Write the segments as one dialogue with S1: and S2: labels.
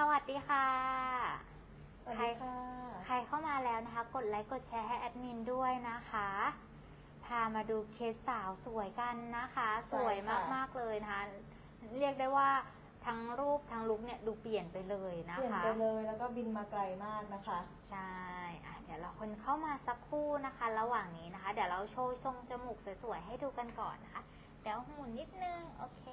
S1: วัสดีค่ะ
S2: สวัสดีค่ะ
S1: ใครเข้ามาแล้วนะคะกดไลค์กดแชร์ให้แอดมินด้วยนะคะพามาดูเคสสาวสวยกันนะคะสวยมากๆเลยนะคะเรียกได้ว่าทั้งรูปทั้งลุคเนี่ยดูเปลี่ยนไปเลยนะคะ
S2: เปลี่ยนไปเลยแล้วก็บินมาไกลมากนะคะ
S1: ใช่เดี๋ยวเราคนเข้ามาสักครู่นะคะ ระหว่างนี้นะคะ เดี๋ยวเราโชว์ทรงจมูกสวยๆให้ดูกันก่อนนะคะเดี๋ยวหมุนนิดนึงโอเค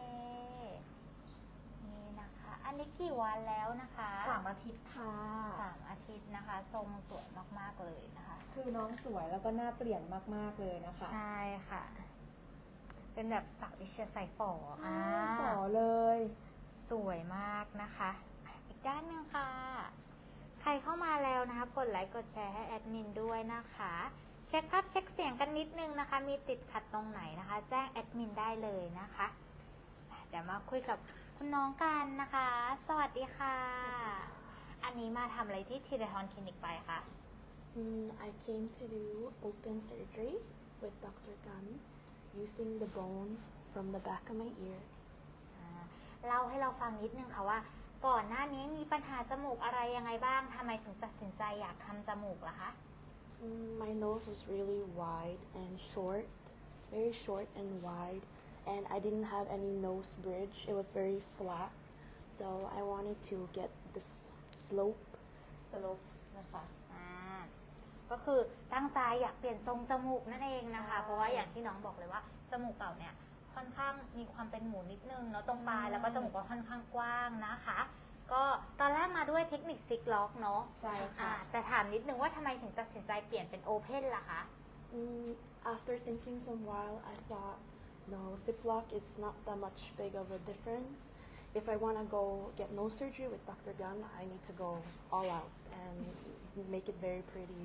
S1: นี่นะคะอันนี้กี่วันแล้วนะคะ
S2: 3 อาทิตย์ค่ะ
S1: 3 อาทิตย์นะคะทรงสวยมากๆเลยนะคะ
S2: คือน้องสวยแล้วก็หน้าเปลี่ยนมากๆเลยนะคะ
S1: ใช่ค่ะ เป็นแบบสาวเอเชียใส่ฝอ
S2: ใช่ฝอเลย
S1: สวยมากนะคะอีกด้านหนึ่งค่ะ ใครเข้ามาแล้วนะคะกดไลค์กดแชร์ให้แอดมินด้วยนะคะเช็คภาพเช็คเสียงกันนิดนึงนะคะมีติดขัดตรงไหนนะคะแจ้งแอดมินได้เลยนะคะเดี๋ยวมาคุยกับคุณน้องกันนะคะ สวัสดีค่ะอันนี้มาทำอะไรที่ทีเรทอนคลินิกไปคะ
S3: I came to do open surgery with Dr. Gunn using the bone from the back of my ear.
S1: เล่าให้เราฟังนิดนึงค่ะว่าก่อนหน้านี้มีปัญหาจมูกอะไรยังไงบ้างทำไมถึงตัดสินใจอยากทำจมูกล่ะคะ
S3: My nose was really wide and short, very short and wide, and I didn't have any nose bridge. It was very flat, so I wanted to get this slope.
S2: สลบนะคะ
S1: ก็คือตั้งใจอยากเปลี่ยนทรงจมูกนั่นเองนะคะ
S2: ใช่
S1: เพราะว่าอย่างที่น้องบอกเลยว่าจมูกเก่าเนี่ยค่อนข้างมีความเป็นหมูนิดนึงเนาะตรงปลายแล้วก็จมูกก็ค่อนข้างกว้างนะคะ ก็ตอนแรกมาด้วยเทคนิคซิกล็อกเนาะ
S2: ใช่ค่ะ
S1: แต่ถามนิดนึงว่าทำไมถึงตัดสินใจเปลี่ยนเป็นโอเพนล่ะคะ
S3: After thinking some while, I thought, no, Ziploc is not that much big of a difference. If I want to go get nose surgery with Dr. Gunn, I need to go all out and make it very pretty,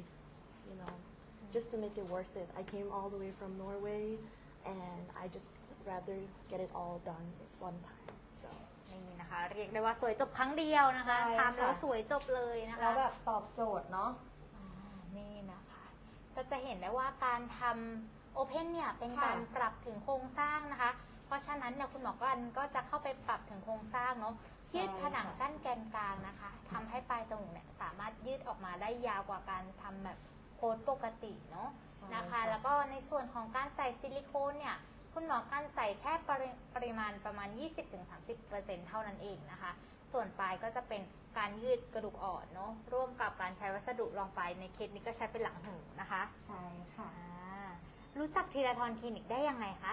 S3: just to make it worth it. I came all the way from Norway, and I just rather get it all done at one time. So
S1: นี่นะคะเรียกได้ว่าสวยจบครั้งเดียวนะคะ
S2: ใช่ค่ะ
S1: ทำแล้วสวยจบเลยนะคะ
S2: แล้วแบบตอบโจทย์เนาะ
S1: นี่นะคะก็จะเห็นได้ว่าการทำโอเพนเนี่ยเป็นการ
S2: ค่ะ
S1: ปรับถึงโครงสร้างนะคะ เพราะฉะนั้นเนี่ยคุณหมอก็จะเข้าไปปรับถึงโครงสร้างเนาะยืดผนังกั้นแกนกลางนะคะทำให้ปลายจมูกเนี่ยสามารถยืดออกมาได้ยาวกว่าการทำแบบโค้ดปกติเนาะ
S2: ใช่
S1: นะคะ
S2: ค่ะ
S1: แล้วก็ในส่วนของการใส่ซิลิโคนเนี่ยคุณหมอการใส่แค่ปริมาณประมาณ 20-30% เท่านั้นเองนะคะ ส่วนปลายก็จะเป็นการยืดกระดูกอ่อนเนาะร่วมกับการใช้วัสดุรองปลายในเคสนี้ก็ใช้เป็นหลังหูนะคะ
S2: ใช่ค่ะ
S1: รู้จักทีละทอนคลินิกได้ยังไงคะ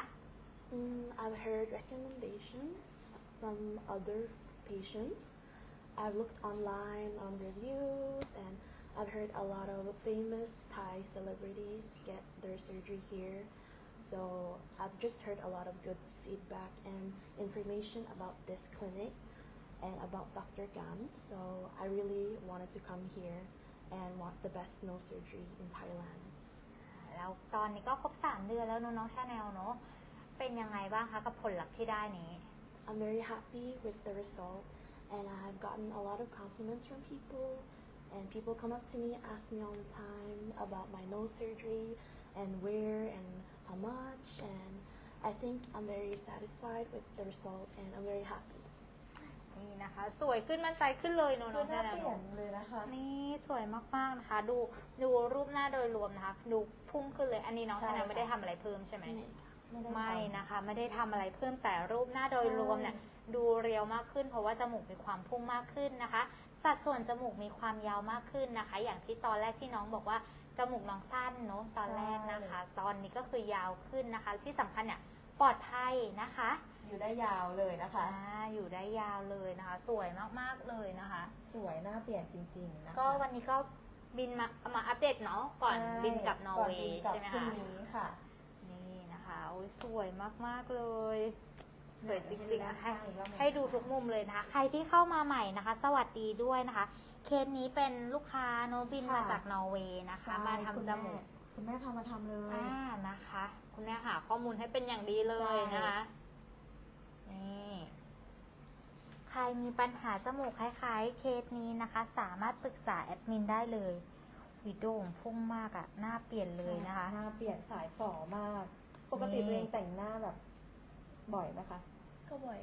S3: I've heard recommendations from other patients. I've looked online on reviews, and I've heard a lot of famous Thai celebrities get their surgery here. So I've just heard a lot of good feedback and information about this clinic and about Dr. Gan. So I really wanted to come here and want the best nose surgery in Thailand.
S1: แล้วตอนนี้ก็ครบ3 เดือนแล้วเนอะน้องชาแนลเนาะเป็นยังไงบ้างคะกับผลลัพธ์ที่ได้นี้
S3: I'm very happy with the result, and I've gotten a lot of compliments from people, and people come up to me, ask me all the time about my nose surgery and where and how much, and I think I'm very satisfied with the result, and I'm very happy.
S1: นี่นะคะสวยขึ้นมั่นใจขึ้นเลยเนอะ
S2: คื
S1: น้
S2: อ
S1: อง
S2: หน้า
S1: ชาแนล
S2: เปลี่ยนเลยนะคะ
S1: นี่สวยมากๆนะคะ ดูรูปหน้าโดยรวมนะคะ ดูพุ่งขึ้นเลยอันนี้น้อง
S2: ใช่
S1: ชาแนล
S2: ค่ะ
S1: ไม่ได้ทำอะไรเพิ่มใช่ไหม
S2: ไม่ได้
S1: ไม่
S2: ทำ
S1: นะคะไม่ได้ทำอะไรเพิ่มแต่รูปหน้าโดยรวมเนี่ยดูเรียวมากขึ้น เพราะว่าจมูกมีความพุ่งมากขึ้นนะคะ สัดส่วนจมูกมีความยาวมากขึ้นนะคะ อย่างที่ตอนแรกที่น้องบอกว่าจมูกน้องสั้นเนาะตอนแรกนะคะ ตอนนี้ก็คือยาวขึ้นนะคะ ที่สำคัญเนี่ยปลอดภัยนะคะ
S2: อยู่ได้ยาวเลยนะคะ
S1: อยู่ได้ยาวเลยนะคะ สวยมากๆเลยนะคะ
S2: สวยหน้าเปลี่ยนจริงๆนะคะ
S1: ก็วันนี้ก็บินมาอัปเดตเนาะก่อน
S2: ใช่
S1: บินกลับนอร์เวย์
S2: ก่อนบินกลับ
S1: ใช่ไหม
S2: พรุ่
S1: คะ
S2: งนี้ค่ะ
S1: นี่นะคะโอ้ยสวยมากๆเลยสวยจริงๆ
S2: ให้ดู
S1: นะ
S2: ด้านข้างอีกรอบหนึ่ง
S1: ให้ดูทุกมุมเลยนะคะ ใครที่เข้ามาใหม่นะคะ สวัสดีด้วยนะคะ เคสนี้เป็นลูกค้าโนบิน
S2: ค่ะ
S1: มาจากนอร์เวย์นะคะ
S2: ใช่
S1: มาทำจมูก
S2: คุณแม่พามาทำเลย
S1: นะคะ คุณแม่หาข้อมูลให้เป็นอย่างดีเลยนะคะนี่ใครมีปัญหาจมูกคล้ายๆ เคสนี้นะคะ สามารถปรึกษาแอดมินได้เลยวิดีโอพุ่งมากอะหน้าเปลี่ยนเลยนะคะ
S2: หน้าเปลี่ยนสายฝ่อมาก ปกติ
S1: นี่
S2: ตัวเองแต่งหน้าแบบบ่อยไหมคะ
S3: ก็บ่อยค่ะ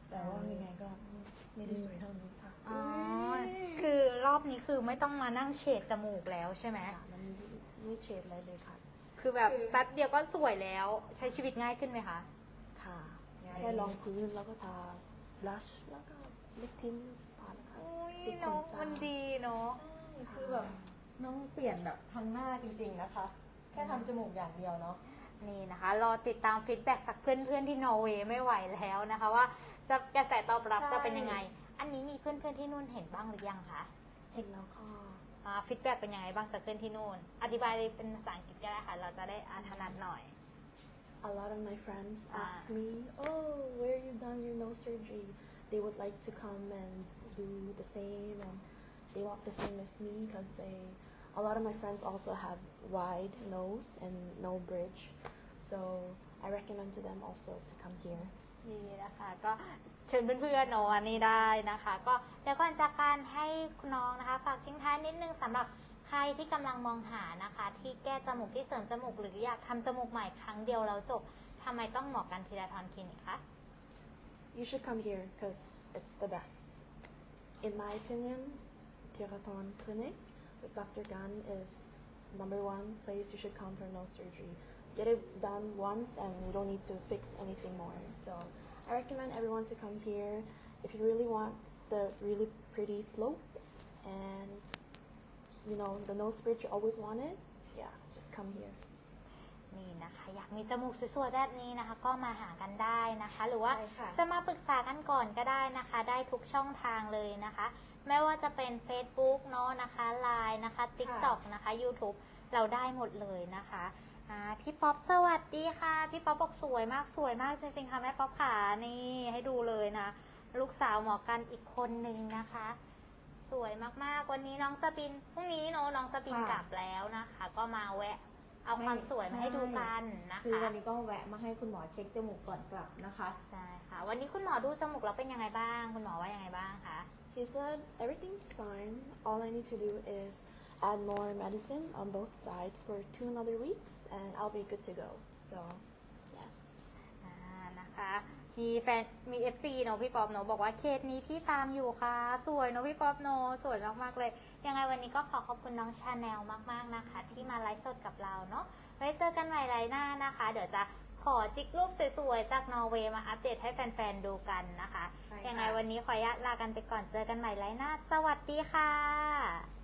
S3: แต่ว่ายังไงก็ไม่ได้สวยเท่านี้ค่ะ
S1: อ๋อ คือรอบนี้คือไม่ต้องมานั่งเฉดจมูกแล้วใช่ไหม
S3: ค่ะมันไม่เฉดอะไรเลยค่ะ
S1: คือแบบแป๊บเดียวก็สวยแล้วใช้ชีวิตง่ายขึ้นไหมคะ
S3: ค่ะ
S2: ง่าย
S3: แค่รองพื้นแล้วก็ทาบลัชแล้วก็ลิปทินทาแล้วค่ะ
S1: อุ้ย
S3: ติดข
S1: เนาะ
S3: ตา
S1: มันดีเนาะ
S2: ใช่คือแบบน้องเปลี่ยนแบบทั้งหน้าจริง ๆนะคะ แค่ทำจมูกอย่างเดียวเนาะ
S1: นี่นะคะ รอติดตามฟีดแบ็กจากเพื่อนๆที่นอร์เวย์ไม่ไหวแล้วนะคะ ว่าจะกระแสตอบรับ
S2: ใช่
S1: จะเป็นยังไง อันนี้มีเพื่อนๆที่นู่นเห็นบ้างหรือยังคะ
S3: เห็นแล้วก็
S1: ฟีดแบ็กเป็นยังไงบ้างจากเพื่อนที่นู่น อธิบายเป็นภาษาอังกฤษก็ได้ค่ะ เราจะได้ถนัดหน่อย
S3: a lot of my friends ask me, oh, where you done your nose surgery? They would like to come and do the same, and they want the same as me because a lot of my friends also have wide nose and no bridge, so I recommend to them also to come here.
S1: ดีนะคะก็เชิญเพื่อนๆเนาะอันนี้ได้นะคะ ก็เดี๋ยวก่อนจากการให้คุณน้องนะคะ ฝากทิ้งท้ายนิดนึงสำหรับใครที่กำลังมองหานะคะ ที่แก้จมูกที่เสริมจมูกหรืออยากทำจมูกใหม่ครั้งเดียวแล้วจบทำไมต้องหมอกันทีละทอนคลินิกคะ
S3: You should come here because it's the best. In my opinion, Tiraton Clinic with Dr. Gan is number one place you should come for nose surgery. Get it done once and you don't need to fix anything more. So I recommend everyone to come here if you really want the really pretty slope and you know the nose bridge you always wanted. Yeah, just come here.
S1: นี่นะคะ อยากมีจมูกสวยๆแบบนี้นะคะ ก็มาหากันได้นะคะ หรือว่า
S2: ใช่ค่ะ
S1: จะมาปรึกษากันก่อนก็ได้นะคะ ได้ทุกช่องทางเลยนะคะ ไม่ว่าจะเป็น Facebook เนาะนะคะ Line นะคะ TikTok นะคะ YouTube เราได้หมดเลยนะคะพี่ป๊อปสวัสดีค่ะ พี่ป๊อปบอกสวยมากจริงๆค่ะแม่ป๊อปขานี่ให้ดูเลยนะ ลูกสาวหมอกันอีกคนนึงนะคะ สวยมากๆวันนี้น้องจะบินพรุ่งนี้เนาะน้องจะบิน
S2: ค่ะ
S1: กลับแล้วนะคะ ก็มาแวะ เอาความสวยมาให้ดูกันนะ
S2: คือ
S1: คะ
S2: วันนี้ก็แวะมาให้คุณหมอเช็คจมูกก่อนกลับนะคะ
S1: ใช่ค่ะ วันนี้คุณหมอดูจมูกแล้วเป็นยังไงบ้าง คุณหมอว่ายังไงบ้างคะ
S3: He said everything's fine. All I need to do is add more medicine on both sides for 2 another weeks, and I'll be good to go. So, yes.
S1: นะคะมีแฟนมี FC เนอะพี่ป๊อปเนอะบอกว่าเคสนี้พี่ตามอยู่ค่ะ สวยเนอะพี่ป๊อปเนอะสวยมากๆเลย ยังไงวันนี้ก็ขอขอบคุณน้องชาแนลมากๆนะคะ ที่มาไลฟ์สดกับเราเนาะไว้เจอกันใหม่ไลฟ์หน้านะคะ เดี๋ยวจะขอจิกรูปสวยๆจากนอร์เวย์มาอัปเดตให้แฟนๆดูกันนะคะ
S2: ใช่ค่ะ
S1: ยังไงวันนี้ขออนุญาตลากันไปก่อนเจอกันใหม่ไลฟ์หน้า สวัสดีค่ะ